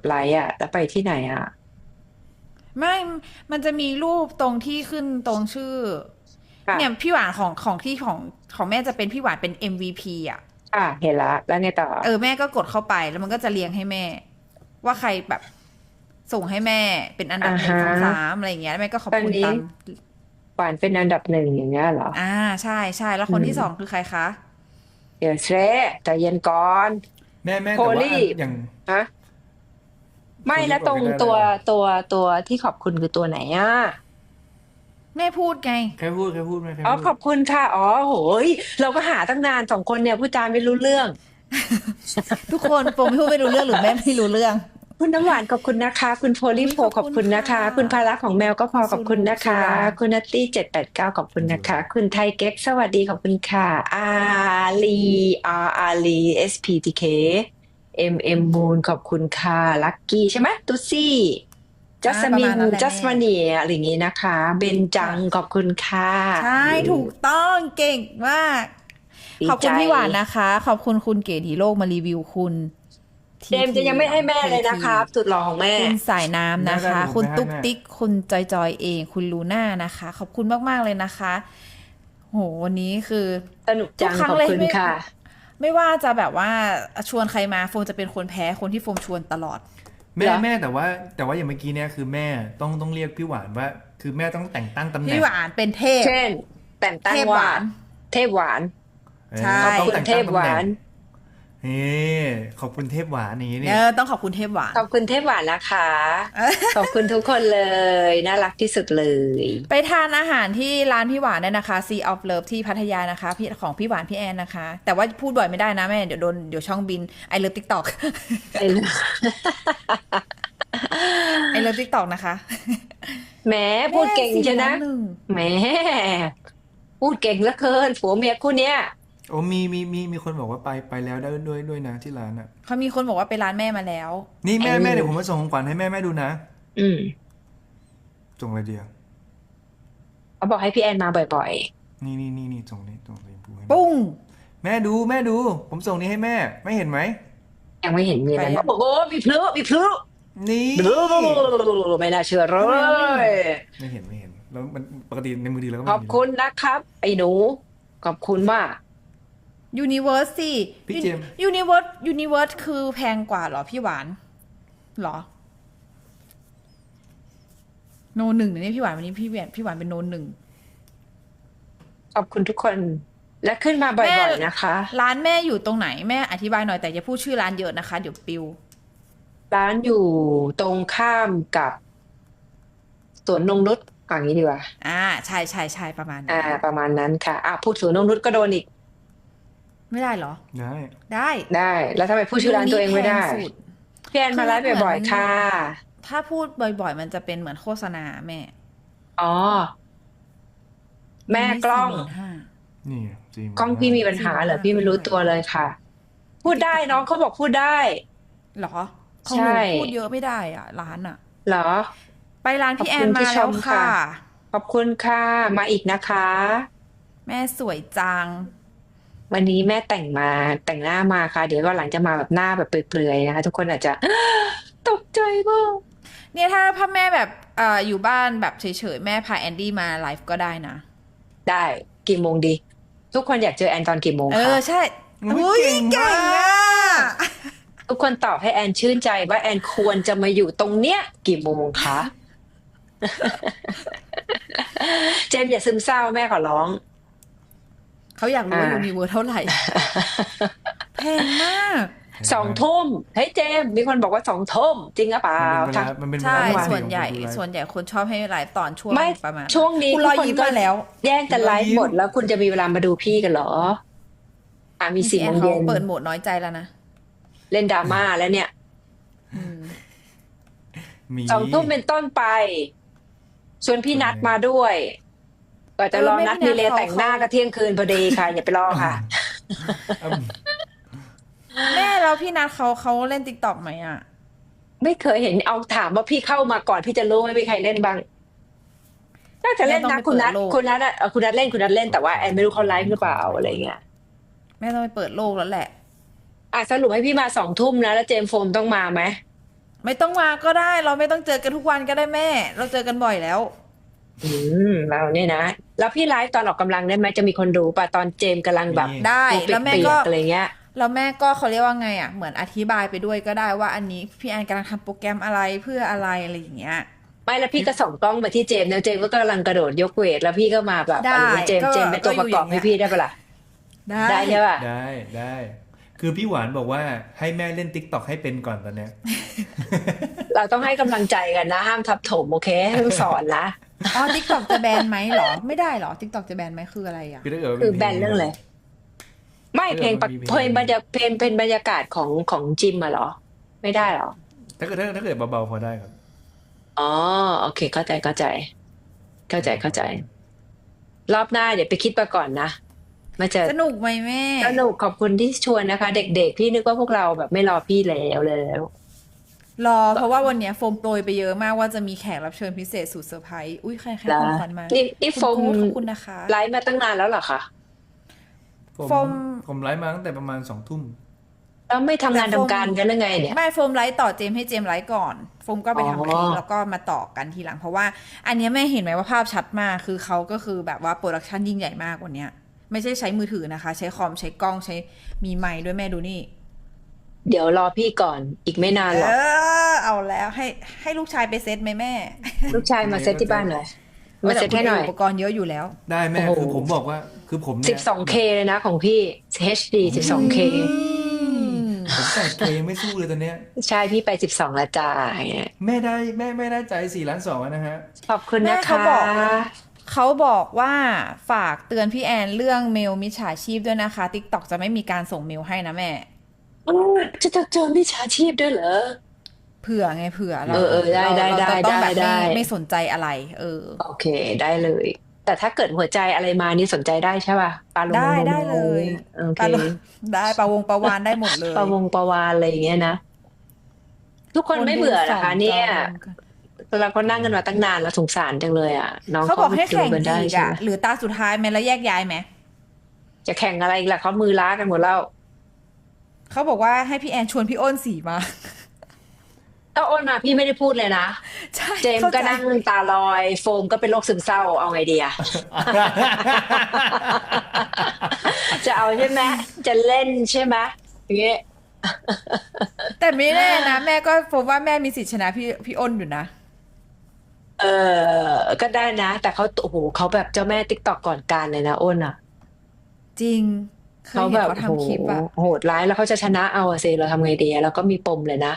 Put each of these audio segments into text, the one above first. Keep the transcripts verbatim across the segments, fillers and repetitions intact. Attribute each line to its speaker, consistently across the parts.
Speaker 1: ไลค์อ่ะแล้วไปที่ไหนอ่ะ
Speaker 2: ไม่ มันจะมีรูปตรงที่ขึ้นตรงชื่อเนี่ย
Speaker 1: ค่ะ
Speaker 2: พี่หวานของของที่ของของแม่จะเป็นพี่หวานเป็น เอ็ม วี พี อ่ะ
Speaker 1: ค่ะเห็นละแล้วไงต่อ
Speaker 2: เออแม่ก็กดเข้าไปแล้วมันก็จะเรียงให้แม่ว่าใครแบบส่งให้แม่เป็นอัน
Speaker 1: อ่า
Speaker 2: ดับหนึ่
Speaker 1: ฮะ
Speaker 2: งสองสามอะไรอย่างเงี้ยแล้วแม่ก็ขอบ
Speaker 1: ตอนนี้
Speaker 2: คุณตาม
Speaker 1: หวานเป็นอันดับหนึ่งอย่างเงี้ยเหรอ
Speaker 2: อ่าใช่ใช่แล้ว
Speaker 1: อื
Speaker 2: คนที่สอง
Speaker 1: ม
Speaker 2: คือใครคะ
Speaker 1: เดี๋ยวเชใจเย็นก่อน
Speaker 3: แม่แม่
Speaker 1: โพ
Speaker 3: แต่ว่า
Speaker 1: ลี่
Speaker 3: อันอย่าง
Speaker 1: ฮะไม่
Speaker 3: โพลี
Speaker 1: แล้วตรง
Speaker 3: บอกไม่ได้เล
Speaker 1: ตัว
Speaker 3: ยเหรอ
Speaker 1: ตัวตัวที่ขอบคุณคือตัวไหนอ่ะ
Speaker 2: แม่พูดไง
Speaker 3: แค่พูดแค่พูดไม่แค่
Speaker 1: อ๋อ
Speaker 3: พูด
Speaker 1: ขอบคุณค่ะอ๋อโหยเราก็หาตั้งนานสองคนเนี่ยพูดจาไม่รู้เรื่อง
Speaker 2: ทุกคนโปมไม่พูดไม่รู้เรื่องหรือแม่ไม่รู้เรื่อง
Speaker 1: คุณน้ำหวานขอบคุณนะคะคุณโพลี
Speaker 2: อุ้ย
Speaker 1: โพ
Speaker 2: ขอบคุณ
Speaker 1: ขอบคุณนะ
Speaker 2: ค่ะ
Speaker 1: คะคุณภาระของแมวก็พอขอบ
Speaker 2: คุณซูรุ
Speaker 1: คุณนะคะ
Speaker 2: ซูรา
Speaker 1: คุณนัตตี้เจ็ดแปดเก้าขอบคุณ
Speaker 3: อยู่
Speaker 1: นะคะคุณไทยเก๊กสวัสดีขอบคุณค่ะอาลีอาอาลีเอสพีทีเคเอ็มเอ็มมูนขอบคุณค่ะลักกี้ใช่ไหมตุ๊ซี่จั
Speaker 2: อ่าประ
Speaker 1: สมิน
Speaker 2: มาณนั้นแหละแม่
Speaker 1: จัสมาเนียอะไรอย่างงี้นะคะเบนจัง
Speaker 2: ค่ะ
Speaker 1: ขอบคุณค่ะ
Speaker 2: ใช่ถูกต้องเก่งมาก
Speaker 1: ดีใจ
Speaker 2: ขอบคุณพี่หวานนะคะขอบคุณคุณเก๋ดีโลกมารีวิวคุณ
Speaker 1: เจ
Speaker 2: ทีที
Speaker 1: มส์จะยังไม่
Speaker 2: เหรอ
Speaker 1: ให้แม่
Speaker 2: เทที
Speaker 1: เลยนะครับสุดหล่อของแม่
Speaker 2: คุณสายน้ำ
Speaker 3: แม่
Speaker 2: นะคะ
Speaker 3: ได้เดี๋ยวผม
Speaker 2: คุณ
Speaker 3: ไปให้แม่
Speaker 2: ตุ๊กติ๊กคุณจอยจอยเองคุณลูน่านะคะขอบคุณมากๆเลยนะคะโหวันนี้คือ
Speaker 1: สนุก
Speaker 2: ทุกครั้
Speaker 1: จังขอบ
Speaker 2: งเลยไม่
Speaker 1: คุณค่ะ
Speaker 2: ไม่ว่าจะแบบว่าชวนใครมาโฟมจะเป็นคนแพ้คนที่โฟมชวนตลอด
Speaker 3: แม่
Speaker 1: เหรอ
Speaker 3: แม่แต่ว่าแต่ว่าอย่างเมื่อกี้เนี่ยคือแม่ต้องต้องเรียกพี่หวานว่าคือแม่ต้องแต่งตั้งตำแหน่ง
Speaker 2: พี่หวานเป็นเทพ
Speaker 1: เช่นแต่งตั้งว่า
Speaker 2: เทพหวาน
Speaker 1: เทพหวาน
Speaker 3: เอ
Speaker 2: ใช่
Speaker 3: อต้อง
Speaker 1: ขอบคุณ
Speaker 3: แต่งตั้งตำ
Speaker 1: เทพหวาน
Speaker 3: แหน่งเฮ้ขอบคุณเทพหวานอย่างนี้
Speaker 2: เอ
Speaker 3: นี่
Speaker 2: อต้องขอบคุณเทพหวาน
Speaker 1: ขอบคุณเทพหวานนะคะขอบคุณทุกคนเลยน่ารักที่สุดเลย
Speaker 2: ไปทานอาหารที่ร้านพี่หวานได้นะคะ Sea of Love ที่พัทยานะคะพี่ของพี่หวานพี่แอนนะคะ แต่ว่าพูดบ่อยไม่ได้นะแม่เดี๋ยวโดนเดี๋ยวช่องบิน I love TikTok
Speaker 1: ไอ้เรื่อง
Speaker 2: I love TikTok นะคะ
Speaker 1: แหมพู
Speaker 2: แม่
Speaker 1: ดเก่ง
Speaker 2: สี่
Speaker 1: ใช่นะ
Speaker 2: ล้านหนึ่ง
Speaker 1: แหมพูดเก่งเหลือเกินผัวเมียคู่เนี้ย
Speaker 3: โอ้มีมีมีมีคนบอกว่าไปไปแล้วได้ด้วยด้วยนะที่ร้านอ่ะ
Speaker 2: เขามีคนบอกว่าไปร้านแม่มาแล้ว
Speaker 3: นี่
Speaker 1: ไอ้
Speaker 3: แม่แม่เดี๋ยวผมมาส่งของขวัญให้แม่แม่ดูนะ
Speaker 1: อืม
Speaker 3: ส่งอะไรเดียว
Speaker 1: เขาบอกให้พี่แอนมาบ่อย
Speaker 3: นี่นี่นี่นี่ส่งนี่ส่งสีชมพูให้แม่
Speaker 2: ปุ้ง
Speaker 3: แม่ดูแม่ดูผมส่งนี้ให้แม่ไม่เห็นไหม
Speaker 1: ๆยังไม่เห็นมีอะไร
Speaker 2: ไปยัง
Speaker 1: โอ้โหมีพลุมีพลุ
Speaker 3: นี่
Speaker 1: ไม่น่าเชื่อเล
Speaker 2: ทำไมเราไม่เห็
Speaker 1: ย
Speaker 2: น
Speaker 3: ไม่เห็นไม่เห็นแล้วมันปกติในมือถือเราก็
Speaker 1: ขอบ
Speaker 3: ไม่เห็นอยู่แล้ว
Speaker 1: คุณนะครับไอ้หนูขอบคุณมาก
Speaker 2: Universe สิ
Speaker 3: พี่เจมส์
Speaker 2: Universe Universe คือแพงกว่าเหรอพี่หวานเหรอโนหนึ่งเนี่ยพี่หวานวันนี้พี่หวานพี่หวานเป็นโนหนึ่ง
Speaker 1: ขอบคุณทุกคนและขึ้นมาบ่
Speaker 2: แม่
Speaker 1: อยๆนะคะ
Speaker 2: ร้านแม่อยู่ตรงไหนแม่อธิบายหน่อยแต่อย่าพูดชื่อร้านเยอะนะคะเดี๋ยวปิว
Speaker 1: ร้านอยู่ตรงข้ามกับสวนนงนุชอย่างนี้ดีกว่า
Speaker 2: อ่าใช่ใช่ใช่ประมาณ
Speaker 1: อ่า
Speaker 2: นั้น
Speaker 1: ประมาณนั้นค่ะอ่ะพูดสวนนงนุชก็โดนอีก
Speaker 2: ไม่ได้เหรอ
Speaker 3: ได้
Speaker 2: ได้
Speaker 1: ได้แล้วทำไมพูดชื่อร้านตัวเองไม่ได้
Speaker 2: แพสุด
Speaker 1: พี่แอนมาไลฟ์บ่อยๆค่ะ
Speaker 2: ถ้าพูดบ่อยๆ มันจะเป็นเหมือนโฆษณาแม่
Speaker 1: อ๋อแม่กล้อง
Speaker 3: นี่จริง
Speaker 1: กล้องพี่มีปัญหาเหรอพี่ไม่รู้ตัวเลยค่ะ พูดได้น้องเขาบอกพูดได้
Speaker 2: เหรอของ
Speaker 1: ใช่
Speaker 2: หนูพูดเยอะไม่ได้อ่ะร้านอ่ะ
Speaker 1: เหรอ
Speaker 2: ไปร้าน
Speaker 1: ขอบ
Speaker 2: พี่แอ
Speaker 1: คุณที่
Speaker 2: นมาแล้ว
Speaker 1: ชม
Speaker 2: ค่ะ
Speaker 1: ค่ะ ขอบคุณค่ะมาอีกนะคะ
Speaker 2: แม่สวยจัง
Speaker 1: วันนี้แม่แต่งมาแต่งหน้ามาค่ะ เดี๋ยวก็หลังจะมาแบบหน้าแบบเปลือยๆนะคะทุกคนอาจจะ ตกใจมาก
Speaker 2: เนี่ยถ้าพ่อแม่แบบเอ่ออยู่บ้านแบบเฉยๆแม่พาแอนดี้มาไลฟ์ก็ได้นะ
Speaker 1: ได้กี่โมงดี ทุกคนอยากเจอแอนตอนกี่โมง
Speaker 2: เอ
Speaker 1: คะ
Speaker 2: อใช่
Speaker 3: อุ๊
Speaker 2: อุ้
Speaker 3: ย
Speaker 2: ย
Speaker 3: เก่ง
Speaker 2: เก่ง
Speaker 3: มาก
Speaker 2: อ่ะ
Speaker 1: ทุกคนตอบให้แอนชื่นใจว่าแอนควรจะมาอยู่ตรงเนี้ยกี่โมงคะ เจมส์อย่าซึมเศร้าแม่ขอร้อง
Speaker 2: เขาอยากรู้ว่า
Speaker 1: อ่า
Speaker 2: ยูนิเวอร์เท่าไหร่ แพงมาก
Speaker 1: สองทุ่มเฮ้ยเจมส์มีคนบอกว่าสองทุ่มจริงหรือเปล่า
Speaker 3: มันเป็นเวลามันเป็นเว
Speaker 2: ใช่
Speaker 3: ลาที่
Speaker 2: ส่วนใหญ่
Speaker 3: ผมดูไลฟ์
Speaker 2: ส่วนใหญ่คนชอบให้ไลฟ์ตอนช่วง
Speaker 1: ไม่
Speaker 2: ประมาณ
Speaker 1: ช่วงนี้
Speaker 2: คุณ
Speaker 1: ทุ
Speaker 2: ร
Speaker 1: ก
Speaker 2: อย
Speaker 1: คน
Speaker 2: ยิ้ม
Speaker 1: ก็
Speaker 2: มาแล้ว
Speaker 1: แย่งกันไลฟ์หมดแล้วคุณจะมีเวลามาดูพี่กันเหรอ อ่ะมี
Speaker 2: พี่
Speaker 1: สี่
Speaker 2: แอ
Speaker 1: โม
Speaker 2: น
Speaker 1: ง
Speaker 2: เขา
Speaker 1: เย็น
Speaker 2: เปิดโหมดน้อยใจแล้วนะ
Speaker 1: เล่นดราม่าแล้วเนี่ย
Speaker 2: อืม
Speaker 3: มี
Speaker 1: สองทุ่มเป็นต้นไปชวนพี่นัดมาด้วยก็จะรอนัดมีเลแต่งหน้าก็เที่ยงคืนพอดีค่ะ อย่าไปรอค่ะ
Speaker 3: อืม
Speaker 2: แม่แล้วพี่นัทเขาเขาเล่นติ๊กต็อกไหมอ่ะ
Speaker 1: ไม่เคยเห็นเอาถามว่าพี่เข้ามาก่อนพี่จะรู้ไหมมีใครเล่นบ้างน่าจะเล่น
Speaker 2: แม่ต้
Speaker 1: นะ
Speaker 2: องไป
Speaker 1: คุณนัท
Speaker 2: เปิดโลก
Speaker 1: คุณนัทอะเอ่อคุณนัทเล่นคุณนัทเล่นแต่ว่าแอนไม่รู้เขาไลฟ์หรือเปล่าอะไรเงี้ย
Speaker 2: แม่ต้องไปเปิดโลกแล้วแหละ
Speaker 1: อ่ะสรุปให้พี่มาสองทุ่มนะแล้วเจมส์โฟมต้องมาไหม
Speaker 2: ไม่ต้องมาก็ได้ เราไม่ต้องเจอกันทุกวันก็ได้แม่ เราเจอกันบ่อยแล้ว
Speaker 1: อืมเราเนี่ยนะ แล้วพี่ไลฟ์ตอนออกกำลังได้ไหมจะมีคนดูป่ะตอนเจมส์กำลังแบบ
Speaker 3: มี
Speaker 2: ได้
Speaker 1: ตัว
Speaker 2: แล้วแม่
Speaker 1: เปีย
Speaker 2: ก็
Speaker 1: กๆอะไรเงี้ย
Speaker 2: แล้วแม่ก็เขาเรียกว่าไงอ่ะเหมือนอธิบายไปด้วยก็ได้ว่าอันนี้พี่แอนกำลังทำโปรแกรมอะไรเพื่ออะไรอะไรอย่างเงี้ย
Speaker 1: ไม่แล้วพี่ก็ส่องกล้องมาที่เจมส์แล้วเจมส์ก็กำลังกระโดดยกเวทแล้วพี่ก็มาแบบ
Speaker 2: ได้
Speaker 1: อะไรเงี้ยเจมส์
Speaker 2: ก็
Speaker 1: เจมส์เป็นตัวประกอบ
Speaker 2: ก็อยู่อย่างเงี้
Speaker 1: ให้
Speaker 2: ย
Speaker 1: พี่ได้ปะล่ะ
Speaker 2: ได้
Speaker 1: ได้ใช่ป่ะ
Speaker 3: ได้ได้ คือพี่หวานบอกว่าให้แม่เล่นติ๊กต็อกให้เป็นก่อนตอนเนี้ย
Speaker 1: เราต้องให้กำลังใจกันนะห้ามทับถมโอเคต้องสอนนะ
Speaker 2: อ๋อทิกตอกจะแบนไหมเหรอ ไม่ได้เหรอทิกตอกจะแบนไหมคืออะไรอ่ะ
Speaker 3: คือถ้าเกิดว่า
Speaker 1: คือ
Speaker 3: มี
Speaker 1: แบนเรื่องอะไรไม่
Speaker 3: เออ
Speaker 1: เพลงปะ
Speaker 3: มันมี
Speaker 1: เพลงบรรยาเพลงเป็นบรรยากาศของของจิมอะเหรอ ไม่ได้เหรอ
Speaker 3: ถ้าเกิดถ้าถ้าเกิดเบาๆพอได้ครับ
Speaker 1: อ๋อโอเคเข้าใจเข้าใจ เข้าใจเข้าใจ รอบหน้าเดี๋ยวไปคิดมาก่อนนะมาเจอ
Speaker 2: สนุกไหมแม่
Speaker 1: สนุกขอบคุณที่ชวนนะคะ เด็กๆพี่นึกว่าพวกเราแบบไม่รอพี่แล้วแล้ว
Speaker 2: รอเพราะว่าวันเนี้ยโฟมโปรยไปเยอะมากว่าจะมีแขกรับเชิญพิเศษสุดเซอร์ไพรส์อุ้ยใครใคร
Speaker 1: นะ
Speaker 2: ของขวัญมา
Speaker 1: นี่นี่
Speaker 2: คุณ
Speaker 1: โฟม
Speaker 2: กู๊ดขอบคุณนะคะ
Speaker 1: ไลฟ์มาตั้งนานแล้วเหรอคะ
Speaker 3: ผม
Speaker 2: โฟม
Speaker 3: ผมไลฟ์มาตั้งแต่ประมาณสองทุ่ม
Speaker 1: แล้วไม่ทำงาน
Speaker 2: แต่โฟม
Speaker 1: ทำการกันหรือไงเนี่ย
Speaker 2: ไม่โฟมไลฟ์ต่อเจมส์ให้เจมส์ไลฟ์ก่อนโฟมก็ไป
Speaker 1: อ๋อ
Speaker 2: ทำคลิปแล้วก็มาต่อกันทีหลัง เพราะว่าอันเนี้ยแม่เห็นไหมว่าภาพชัดมากคือเขาก็คือแบบว่าโปรดักชันยิ่งใหญ่มากวันเนี้ย ไม่ใช่ใช้มือถือนะคะ ใช้คอมใช้กล้องใช้มีไมค์ด้วยแม่ดูนี่
Speaker 1: เดี๋ยวรอพี่ก่อนอีกไม่นานหร
Speaker 2: เอ
Speaker 1: อก
Speaker 2: อเอาแล้วให้ให้ลูกชายไปเซตไหมแม่
Speaker 1: ลูกชายมาเซตที่บ้านหน่อยมาเซตให้หน่อย
Speaker 2: อุปกรณ์เยอะอยู่แล้ว
Speaker 3: ได้แม่
Speaker 1: โอ้โห
Speaker 3: คือผมบอกว่าคือผมเนี่ย
Speaker 1: สิบสองเคเลยนะของพี่ เอช ดี สิบสองเค
Speaker 3: ผมแปดเคไม่สู้เลยตอนเนี้ย
Speaker 1: ใช่พี่ไปสิบสองละจ้าอย่างเงี้ย
Speaker 3: แม่ได้แม่แม่ได้ใจสี่ล้านสองนะฮะ
Speaker 1: ขอบคุณ
Speaker 2: แม่
Speaker 1: นะ
Speaker 2: เขา
Speaker 1: คะ
Speaker 2: บอก เขาบอกว่าฝากเตือนพี่แอนเรื่องเมลมิจฉาชีพด้วยนะคะ TikTok จะไม่มีการส่งเมลให้นะแม่
Speaker 1: อ้าวจะจะเจอมิจฉาชีพด้วยเหรอ
Speaker 2: เผื่อไงเผื่อเรา
Speaker 1: เออเออได้
Speaker 2: เรา
Speaker 1: ได้
Speaker 2: เราจะต้องแบบ
Speaker 1: ได้
Speaker 2: ไม่
Speaker 1: ได้
Speaker 2: ไม่สนใจอะไร เออ
Speaker 1: โอเคได้เลย แต่ถ้าเกิดหัวใจอะไรมานี่สนใจได้ใช่ป่ะปลาลง
Speaker 2: ได้
Speaker 1: ลง
Speaker 2: ได้เลย
Speaker 1: โอเค
Speaker 2: ปลาลงได้ปลาวงปลาวานได้หมดเลย
Speaker 1: ปลาวงปลาวานอะไรอย่างเงี้ยนะ ทุกคนไม่เบื่อเหรอคะเนี่ย เราก็นั่งกันมาตั้งนานแล้วสงสารจังเลยอ่ะ น้อง
Speaker 2: เขาบอกให้แข่ง
Speaker 1: ดูกันได้
Speaker 2: อีก
Speaker 1: ใช่
Speaker 2: อ่ะ
Speaker 1: ไหม
Speaker 2: หรือตาสุดท้ายไหมแล้วแยกย้ายไหม
Speaker 1: จะแข่งอะไรอีกล่ะเขามือล้ากันหมดแล้ว
Speaker 2: เขาบอกว่าให้พี่แอนชวนพี่อ้นสีมา
Speaker 1: ถ้าโอนมาพี่ไม่ได้พูดเลยนะ
Speaker 2: ใช่
Speaker 1: เจมส์
Speaker 2: ข้า
Speaker 1: ก็
Speaker 2: ใจ
Speaker 1: นั่งตาลอย โฟมก็เป็นโรคซึมเศร้าเอาไงดีอะ จะเอาใช่ไหมจะเล่นใช่ไหมอย่างเงี้ย
Speaker 2: แต่ไม่แน่นะแม่ก็ผมว่าแม่มีสิทธิชนะพี่พี่อ้นอยู่นะ
Speaker 1: เออก็ได้นะ แต่เขาโอ้โหเขาแบบเจ้าแม่ติ๊กตอกก่อนการเลยนะอ้นอ่ะ
Speaker 2: จริงเคย
Speaker 1: เขา
Speaker 2: เห็
Speaker 1: แบ
Speaker 2: น
Speaker 1: บ
Speaker 2: เขา
Speaker 1: โห
Speaker 2: ทำคลิปอะ
Speaker 1: โหดร้ายแล้วเขาจะชนะเอาอะสิเราทำไงดีอะเราก็มีปมเลยนะ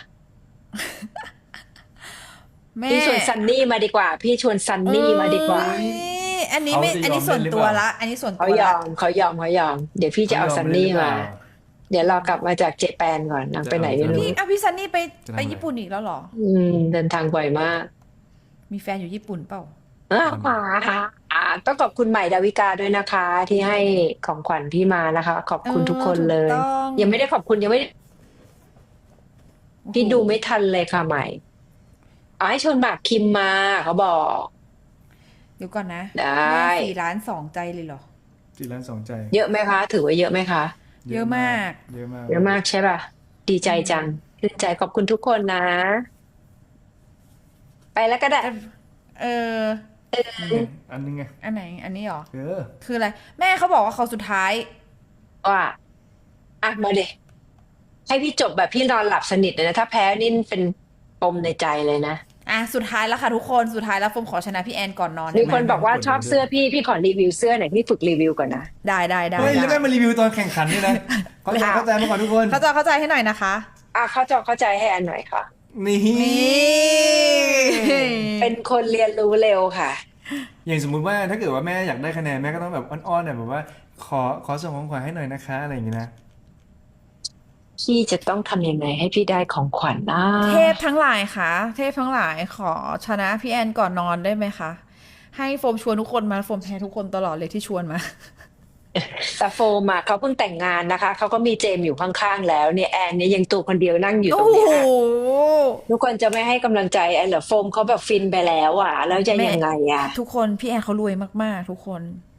Speaker 2: แม่
Speaker 1: พี่ชวนซันนี่มาดีกว่า พี่ชวนซันนี่มาดีกว่า
Speaker 2: เอ้ยอันนี้ไม่
Speaker 3: เขาจะยอม
Speaker 2: อันนี้ส่วนตัว
Speaker 3: เล่นหรือเปล่า
Speaker 2: ละ อันนี้ส่วน
Speaker 1: เขา
Speaker 2: ตัวย
Speaker 1: อ
Speaker 2: ละ
Speaker 1: มเขายอมเขายอม เดี๋ยวพี่จะเอาซันนี่มา เดี๋ยวเรากลับมาจากเจแปนก่อนนางไปไหนไม่รู้
Speaker 2: พี่อ่ะพี่ซันนี่ไป
Speaker 3: จะทำอะไร
Speaker 2: ไปญี่ปุ่นอีกแล้วเหรอ
Speaker 1: อืมเดินทางบ่อยมาก
Speaker 2: มีแฟนอยู่ญี่ปุ่นเปล่า
Speaker 1: อ่าอ่าต้องขอบคุณใหม่ดาวิกาด้วยนะคะ ที่ให้ของขวัญพี่มานะคะ ขอบคุณ
Speaker 2: เออ
Speaker 1: ทุกคนเลย
Speaker 2: ถูกต้อง
Speaker 1: ยังไม่ได้ขอบคุณยังไม่
Speaker 2: โอ้โห
Speaker 1: พี่ดูไม่ทันเลยค่ะใหม่เอาให้ชวนหมากคิมมาเขาบอก
Speaker 2: เดี๋ยวก่อนนะ
Speaker 1: ได้
Speaker 2: แม่สี่ล้านสองใจเลยเหรอ
Speaker 3: สี่ล้านสองใจ
Speaker 1: เยอะไหมคะ ถือว่าเยอะไหมคะ
Speaker 2: เยอะมาก
Speaker 3: เยอะมาก
Speaker 1: เยอะมากใช่ป่ะ ดีใจจังดีใจขอบคุณทุกคนนะ ไปแล้วก็ได้
Speaker 2: เออ
Speaker 3: นี่ไงอันนึงไง
Speaker 2: อันไหน อันนี้เหรอ
Speaker 3: เออ
Speaker 2: คืออะไร แม่เขาบอกว่าเขาสุดท้าย
Speaker 1: ว่าอ่ะมาเดให้พี่จบแบบพี่นอนหลับสนิทเลยนะ ถ้าแพ้นี่เป็นปมในใจเลยนะ
Speaker 2: อ่ะสุดท้ายแล้วค่ะทุกคน สุดท้ายแล้วโฟมขอชนะพี่แอนก่อนนอน
Speaker 1: มี
Speaker 2: ได้ไห
Speaker 1: ค
Speaker 2: ม
Speaker 1: นบอกว่าชอบเสื้อพี่ พี่ขอรีวิวเสื้อหน่อยพี่ฝึกรีวิวก่อนนะ
Speaker 2: ได้ได้ได้
Speaker 3: เฮ้ย แล้ว
Speaker 2: ได้
Speaker 3: แม่มารีวิวตอนแข่งขันด้วยนะ เข้าใจเข้าใจมาก่อนทุกคน
Speaker 2: เข้าใจเข้าใจให้หน่อยนะคะ
Speaker 1: อ่ะเข้าใจเข้าใจให้อันหน่อยค่ะ
Speaker 3: นี่
Speaker 2: นี่
Speaker 1: เป็นคนเรียนรู้เร็วค่ะ
Speaker 3: อย่างสมมุติว่าถ้าเกิดว่าแม่อยากได้คะแนนแม่ก็ต้องแบบอ้อนๆหน่อยแบบว่า ขอขอส่งของขวัญให้หน่อยนะคะอะไรอย่างงี้นะ
Speaker 1: พี่จะต้องทำยังไงให้พี่ได้ของขวัญนะ
Speaker 2: เทพทั้งหลายค่ะ เทพทั้งหลายขอชนะพี่แอนก่อนนอนได้ไหมคะ ให้โฟมชวนทุกคนมาโฟมแพ้ทุกคนตลอดเลยที่ชวนมา
Speaker 1: แต่โฟมอ่ะเขาเพิ่งแต่งงานนะคะเขาก็มีเจมส์อยู่ข้างๆแล้วเนี่ยแอนเนี่ยยังตัวคนเดียวนั่งอยู่ต
Speaker 2: โอ้
Speaker 1: รง
Speaker 2: โห
Speaker 1: เนี้ยทุกคนจะไม่ให้กำลังใจแอนเหรอโฟมเขาแบบฟินไปแล้วอ่ะ แล้วจะ
Speaker 2: แม่
Speaker 1: ยังไงอ่ะ
Speaker 2: ทุกคนพี่แอนเขารวยมากๆ ทุกคน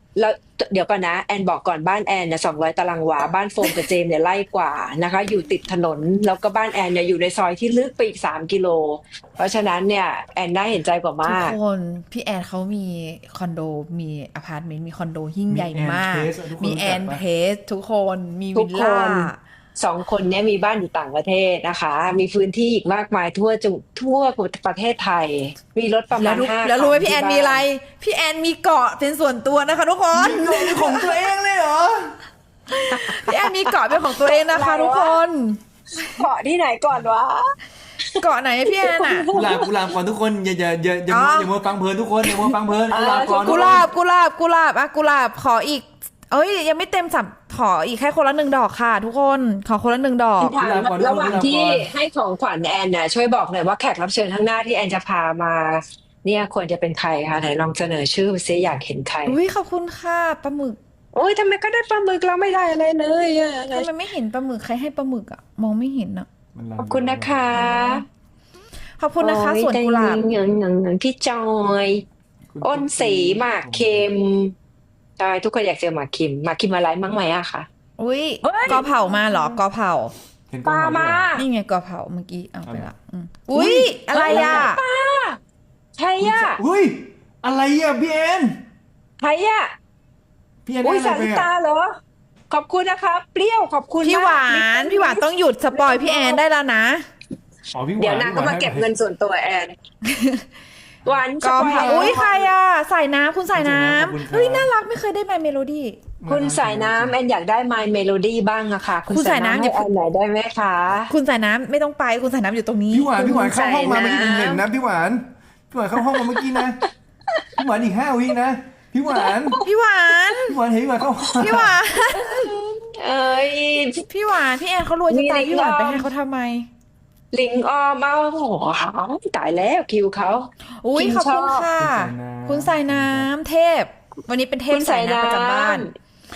Speaker 1: แล้วเดี๋ยวก่อนนะแอนบอกก่อนบ้านแอนเนี่ยสองร้อยตารางวาบ้านโฟมกับเจมเนี่ยไล่กว่านะคะอยู่ติดถนนแล้วก็บ้านแอนเนี่ยอยู่ในซอยที่ลึกไปอีกสามกิโลเพราะฉะนั้นเนี่ยแอนน่าเห็นใจกว่า
Speaker 2: ทุก
Speaker 1: มาก
Speaker 2: คนพี่แอนเขามีคอนโดมีอพาร์ตเมนต์มีคอนโดยิ่งใหญ่มาก มีแอนเพสทุกคนมี
Speaker 1: ทุ
Speaker 2: วิ
Speaker 1: ก
Speaker 2: ล
Speaker 1: ค
Speaker 2: ล่า
Speaker 1: นสองคนเนี้มีบ้านอยู่ต่างประเทศนะคะ มีพื้นที่อีกมากมายทั่วจุทั่วประเทศไทย มีรถประ
Speaker 2: แล้
Speaker 1: มาว ณ
Speaker 2: รู้
Speaker 1: ห้า
Speaker 2: แล้วรู้ไหม
Speaker 1: คั
Speaker 2: พี่แอน
Speaker 1: ที่
Speaker 2: มีอะไร
Speaker 1: บ้า
Speaker 2: พี่แอนมีเกาะเป็นส่วนตัวนะคะทุกคน
Speaker 3: มีของตัวเองเลยเหรอ
Speaker 2: พี่แอนมีเกาะเป็นของตัวเองนะคะทุกคน
Speaker 1: เกาะที่ไหนก่อนวะ
Speaker 2: เกาะไหนพี่แอนอ่ะ
Speaker 3: กุหลาบกุหลาบก่อนทุกคนอย่าอย่าอย่าอย่า
Speaker 2: อ๋อ
Speaker 3: อย่ามัวฟังเพลินทุกคนอย่ามัวฟังเพลินกุหลาบก่อน
Speaker 2: กุหลาบกุหลาบกุหลาบอ่ะกุหลาบขออีก เอ้ยยังไม่เต็มสับขออีกแค่คนละหนึ่งดอกค่ะ ทุกคนขอคนละหนึ่งดอก
Speaker 1: ถามระหว่างที่ให้ของขวัญแอนน่ะช่วยบอกหน่อยว่าแขกรับเชิญข้างหน้าที่แอนจะพามา เนี่ยควรจะเป็นใครคะไหนลองเสนอชื่อซิอยากเห็นใคร
Speaker 2: อุ้ยขอบคุณค่ะปลาหมึก
Speaker 1: โอ้ยทำไมก็ได้ปลาหมึกเราไม่ได้อะไรเลยอะ
Speaker 2: ทำไมไม่เห็นปลาหมึกใครให้ปลาหมึกอ่ะมองไม่เห็นอ่ะ
Speaker 3: มันลำ
Speaker 1: ขอบคุณนะคะ
Speaker 2: ขอบคุณนะคะ
Speaker 1: โอ้ย
Speaker 2: สวนกุหลาบ
Speaker 1: แต่ยังยังยังพี่จอย
Speaker 3: คุณ
Speaker 1: อ้นสีหมากเค็มใช่ทุกคนอยากเจอหมากคิมหมากคิมอะไรมั้งไหมอะคะ
Speaker 2: อุ้ย
Speaker 1: เฮ้ย
Speaker 2: กอเผามาเหรอกอเผา
Speaker 3: เห็น
Speaker 1: ปลามา
Speaker 2: นี่ไงกอเผาเมื่อกี้เอาไปละอืมอุ้ยอะไรอ่ะ
Speaker 1: ใช่
Speaker 3: คุณ
Speaker 1: อะ
Speaker 3: เฮ้ยอะไรอ่ะพี่แอน
Speaker 1: ใช่อะ
Speaker 3: พี่แอน
Speaker 1: อุ้ย
Speaker 3: ได้
Speaker 1: สา
Speaker 3: อะไร
Speaker 1: ริ
Speaker 3: ไป
Speaker 1: ตา
Speaker 3: อ่ะ
Speaker 1: เหรอ ขอบคุณนะคะ เปรี้ยวขอบคุณ
Speaker 2: พี่หวาม
Speaker 1: าก
Speaker 2: นพี่หวานต้องหยุดสปอยพี่แอนได้แล้วนะ
Speaker 3: อ๋อพี่หวาน
Speaker 1: เดี๋ยวนางก็มาเก็บเงินส่วนตัวแอน หวาน
Speaker 2: กอ
Speaker 1: สป
Speaker 2: เผา
Speaker 1: ร์
Speaker 2: อุ้ยใครอ่ะใส่น้ำคุณใส่น้ำเฮ้ยน่ารักไม่เคยได้มาเมโลดี้
Speaker 1: คุณสายน้ำแอนอยากได้ My Melody บ้างอะค่ะ คุณ
Speaker 2: คุณ
Speaker 1: สา
Speaker 2: สาย ย
Speaker 1: น้ำ
Speaker 2: น้ำ
Speaker 1: ให้
Speaker 2: อย่า
Speaker 1: แอนหน่อยได้ไหมคะ
Speaker 2: คุณใส่น้ำไม่ต้องไปคุณใส่น้ำอยู่ตรงนี้
Speaker 3: พี่หวานพี่หวานเข้าห้องมา
Speaker 1: คุณ
Speaker 3: ไม่
Speaker 1: ใส่
Speaker 3: ได้
Speaker 1: น้ำ
Speaker 3: เห็นนะพี่หวานพี่หวานเข้าห้องมาเมื่อกี้นะพี่หวานอีกห้าวินะพี่หวาน
Speaker 2: พี่หวาน
Speaker 3: พี่หวานเห็นพี่หวานเข้าห้อง
Speaker 2: พี่หวาน
Speaker 1: เอ้ย
Speaker 2: พี่หวานพี่แอนเขารวยจะตาย
Speaker 1: มี
Speaker 2: พี่หวาน
Speaker 1: ลิง
Speaker 2: ไป
Speaker 1: ออม
Speaker 2: ให้เขาทำไม
Speaker 1: ลิงออมเอาโอ้โหตายแล้วคิวเขา
Speaker 2: อุ้ย
Speaker 1: คิม
Speaker 2: ขอบคุณ
Speaker 1: ชอบ
Speaker 2: ค่ะ
Speaker 3: คุ
Speaker 2: คุณ
Speaker 3: ณ
Speaker 2: ใส่
Speaker 3: สายน้ำ
Speaker 2: น้ำเทพ วันนี้เป็นเทพ
Speaker 1: คุณ
Speaker 2: ใส่
Speaker 1: สาย
Speaker 2: น้ำประจำบ้าน
Speaker 1: น้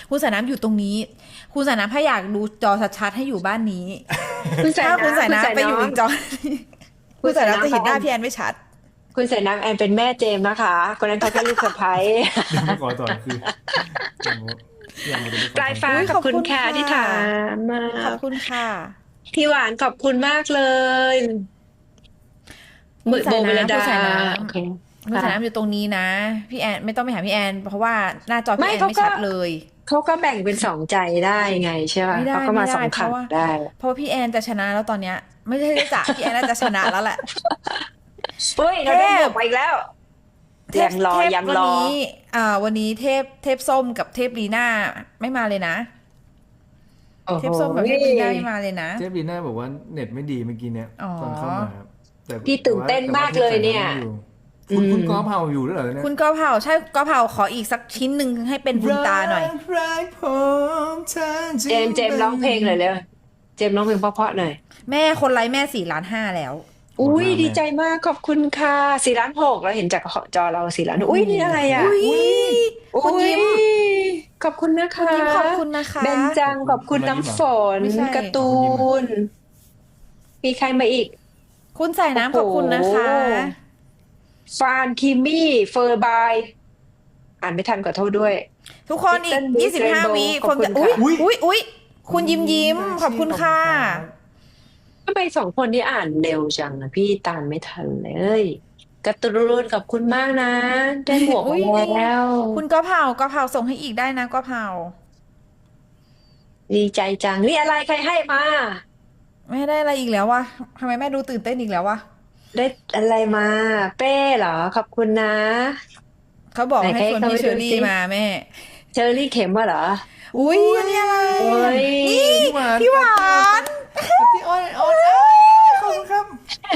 Speaker 2: คุณใส่น้ำอยู่ตรงนี้ คุณใส่น้ำถ้าอยากดูจอชัดๆให้อยู่บ้านนี้
Speaker 1: คุณสาย
Speaker 2: ถ้า
Speaker 1: น้ำ
Speaker 2: คุณใส่น้ำไปอยู่อีกจอ
Speaker 1: คุ
Speaker 2: คุณ ณ
Speaker 1: ใส่
Speaker 2: ใส่
Speaker 1: น้ำ
Speaker 2: น้ำจะเห็นหน้าพี่แอนไม่ชัด
Speaker 1: คุณสายน้ำแอนเป็นแม่เจมส์นะคะคนนั้นเขาแค่ลูกสะใภ้
Speaker 3: ขอต่อคืออย่างนี้
Speaker 1: ปลายฟ้า
Speaker 2: อุ๊ย
Speaker 1: ขอบคุณ
Speaker 2: ขอบคุณ
Speaker 1: ค่ะ
Speaker 2: ค่ะ
Speaker 1: ที่ถามมา
Speaker 2: ขอบคุณค่ะ
Speaker 1: พี่หวานขอบคุณมากเลย
Speaker 2: คุณใส่
Speaker 1: โบเมล
Speaker 2: น้ำ
Speaker 1: ดา
Speaker 2: คุณใส่น้
Speaker 1: โอเค
Speaker 2: ำคุณใส่น้ำอยู่ตรงนี้นะ พี่แอนไม่ต้องไปหาพี่แอน เพราะว่าหน้าจอ
Speaker 1: ไม่
Speaker 2: พี่แอน
Speaker 1: เขา
Speaker 2: ไม่
Speaker 1: ก็
Speaker 2: ชัดเลย
Speaker 1: เขาก็แบ่งเป็นสองใจได้ไงใช่ป่ะ
Speaker 2: ไม่ได้
Speaker 1: เขาก็มา
Speaker 2: ไม่ได้
Speaker 1: สองขัน
Speaker 2: เพราะว่า
Speaker 1: ได้
Speaker 2: เพราะว่าพี่แอนจะชนะแล้วตอนเนี้ย ไม่ใช่จะพี่แอนน่าจะชนะแล้วแหละ
Speaker 1: เฮ้ยเราได้
Speaker 2: เทพ
Speaker 1: บวกมาอีกแล้ว ยังรอ
Speaker 2: เทพ
Speaker 1: ยัง
Speaker 2: วัน
Speaker 1: รอ
Speaker 2: นี้อ่า วันนี้เทพเทพส้มกับเทพลีน่าไม่มาเลยนะ
Speaker 1: โอ้โห
Speaker 2: เทพส้มกับเทพลีน่าไม่มาเลยนะ
Speaker 3: เจฟบีน่าบอกว่าเน็ตไม่ดีเมื่อกี้เนี่ย
Speaker 2: อ๋อ
Speaker 3: ตอนเข้ามาครับแต่
Speaker 1: พี่ตื่นเต้นมากเลยเนี่ย
Speaker 3: แต่ว่าคุณ
Speaker 1: อืม
Speaker 3: คุณกอล์ฟเฮาอยู่ด้วยเหรอเนี่ย
Speaker 2: คุณกอเผาใช่กอเผาขออีกสักชิ้นหนึ่งให้เป็นบุญตาหน่อย
Speaker 3: รักรักผมเธอจริ
Speaker 1: เจมส์เจมส์ร้องเพลงเลยเร็วเจมส์ร้องเพลงเพราะๆหน่อย
Speaker 2: แม่คนไลค์แม่สี่ล้านห้าแล้ว
Speaker 1: อุ้ยดีใจมากขอบคุณค่ะสี่ล้านหกเราเห็นจากจอเราสี่ล้านอุ้ยนี่อะไรอ่ะ
Speaker 2: อุ้ย คุณยิ้ม
Speaker 1: อุ๊ขอบคุณนะคะ
Speaker 2: คุณยิ้มขอบคุณนะคะ
Speaker 1: เบนจังขอบคุณน้ำฝน
Speaker 2: ไม่ใช่
Speaker 1: การ์ตูน มีใครมาอีก
Speaker 2: คุณใส่น้ำขอบคุณนะคะ
Speaker 1: โอ้โห ฟานคิมมี่เฟอร์บายอ่านไม่ทันขอโทษด้วย
Speaker 2: ทุกคนอีก
Speaker 1: Little Miss
Speaker 2: ยี่สิบห้า
Speaker 1: Rainbow
Speaker 2: วิ
Speaker 1: ขอบ
Speaker 2: คน
Speaker 1: คุณ
Speaker 2: จะอุ้ย
Speaker 1: ค่ะ
Speaker 2: อุ้ยอุ้ยคุณยิ้มยิ้มขอบคุณค่ะ
Speaker 1: ทำไมสองคนนี้อ่านเร็วจังอะพี่ตามไม่ทันเลยการ์ตูนขอบคุณมากนะ ได้หมวก
Speaker 2: อุ๊ย
Speaker 1: มาแล้ว
Speaker 2: คุณกอเผากอเผาส่งให้อีกได้นะกอเผา
Speaker 1: ดีใจจัง นี่อะไรใครให้มา
Speaker 2: แม่ได้อะไรอีกแล้ววะทำไมแม่ดูตื่นเต้นอีกแล้ววะ
Speaker 1: ได้อะไรมา เป้เหรอ ขอบคุณนะ
Speaker 2: เขาบอก
Speaker 1: ไหน
Speaker 2: ให้ชวน
Speaker 1: ให้
Speaker 2: พี่
Speaker 1: เขาไป
Speaker 2: เชอ
Speaker 1: ดู
Speaker 2: รี่
Speaker 1: สิ
Speaker 2: มาแม่
Speaker 1: เชอรี่เข็มว่าเหรอ
Speaker 2: อุ้ยอันนี้อะไร
Speaker 1: โอ้ย
Speaker 2: นี่
Speaker 3: พี่หวาน
Speaker 2: พี่หวาน
Speaker 3: พี่อ้อยอ้อยขอบคุณครับ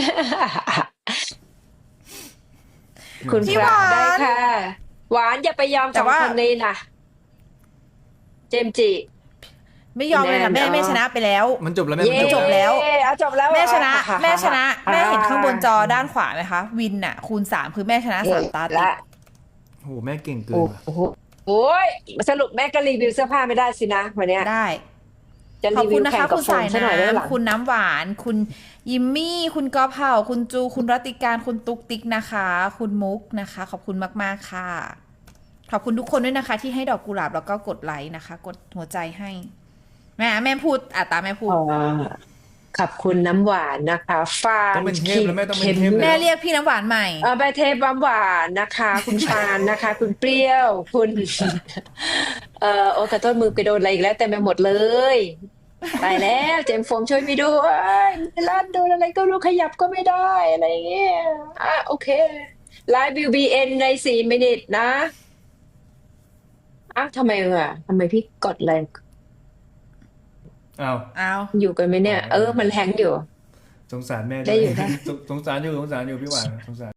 Speaker 1: คุณ
Speaker 2: พี่
Speaker 1: ค
Speaker 2: ห
Speaker 1: รับ
Speaker 2: วาน
Speaker 1: ได้ค่ะ หวานอย่าไปยอม
Speaker 2: แต่
Speaker 1: สอง
Speaker 2: ว่า
Speaker 1: คนนี้นะเจมส์จิ
Speaker 2: ไม่ยอมเลยนะ
Speaker 1: แน่
Speaker 2: แม่
Speaker 1: นอน
Speaker 2: แม่ชนะไปแล้ว
Speaker 3: มันจบแล้วแม่
Speaker 1: เย้
Speaker 3: มัน
Speaker 2: จบแล้ว
Speaker 1: เอาจบแล้ว
Speaker 2: แม่ชนะ
Speaker 1: อ่
Speaker 2: แม่ชนะ
Speaker 1: อ่า
Speaker 2: แม่เห็นข้างบนจอด้านขวาไหมคะ วินน่ะ คูณสามคือแม่ชนะสามตาติด
Speaker 1: ละ
Speaker 3: โอ้โหแม่เก่งเกิน
Speaker 1: โอ้
Speaker 3: ว่ะ
Speaker 1: โหโอ้ยสรุปแม่ก็รีวิวเสื้อผ้าไม่ได้สินะวันเนี้ย
Speaker 2: ได้
Speaker 1: จะ
Speaker 2: ขอบ
Speaker 1: รี
Speaker 2: คุ
Speaker 1: วิ
Speaker 2: ณ
Speaker 1: ว
Speaker 2: นะ
Speaker 1: แข่
Speaker 2: คะ
Speaker 1: งกับ
Speaker 2: คุณ
Speaker 1: โฟ
Speaker 2: สาม ย
Speaker 1: ซะหน่อยได้หลัง
Speaker 2: น้ำคุณน้ำหวาน คุณยิมมี่ คุณกอเผาคุณจู คุณรัติการ คุณตุ๊กติ๊กนะคะ คุณมุกนะคะ ขอบคุณมากๆค่ะขอบคุณทุกคนด้วยนะคะ ที่ให้ดอกกุหลาบแล้วก็กดไลค์นะคะ กดหัวใจให้แม่แม่พูดอ่ะตามแม่พูด
Speaker 1: เอ่อขอบคุณน้ำหวานนะคะฟา
Speaker 3: ต้
Speaker 1: น
Speaker 3: องเป็นเทพแล้วแม่ต้องเป็นเทพ
Speaker 2: แม่เรียกพี่น้ำหวานใหม่
Speaker 1: เออใบเทพน้ำหวานนะคะ คุณฟานนะคะ คุณเปรี้ยว คุณ เอ่อโอ้ขอโทษมือไปโดนอะไรอีกแล้วเต็มไปหมดเลยตายแล้วเจมส์โฟมช่วยไม่ด้วยไม่ลั่นโดนอะไรก็รู้ขยับก็ไม่ได้อะไรอย่างเงี้ยอ่ะโอเคไลฟ์วิวบีเอ็นในสี่มินิทนะอ้าวทำไมอ่ะทำไมพี่กดแรง
Speaker 3: เอา
Speaker 2: เอา
Speaker 1: อยู่กันไหมเนี่ย เออ มันแฮงก์อยู่
Speaker 3: สงสารแม่
Speaker 1: ได้อยู่ได้
Speaker 3: สงสารอยู่สงสารอยู่พี่หวานสงสาร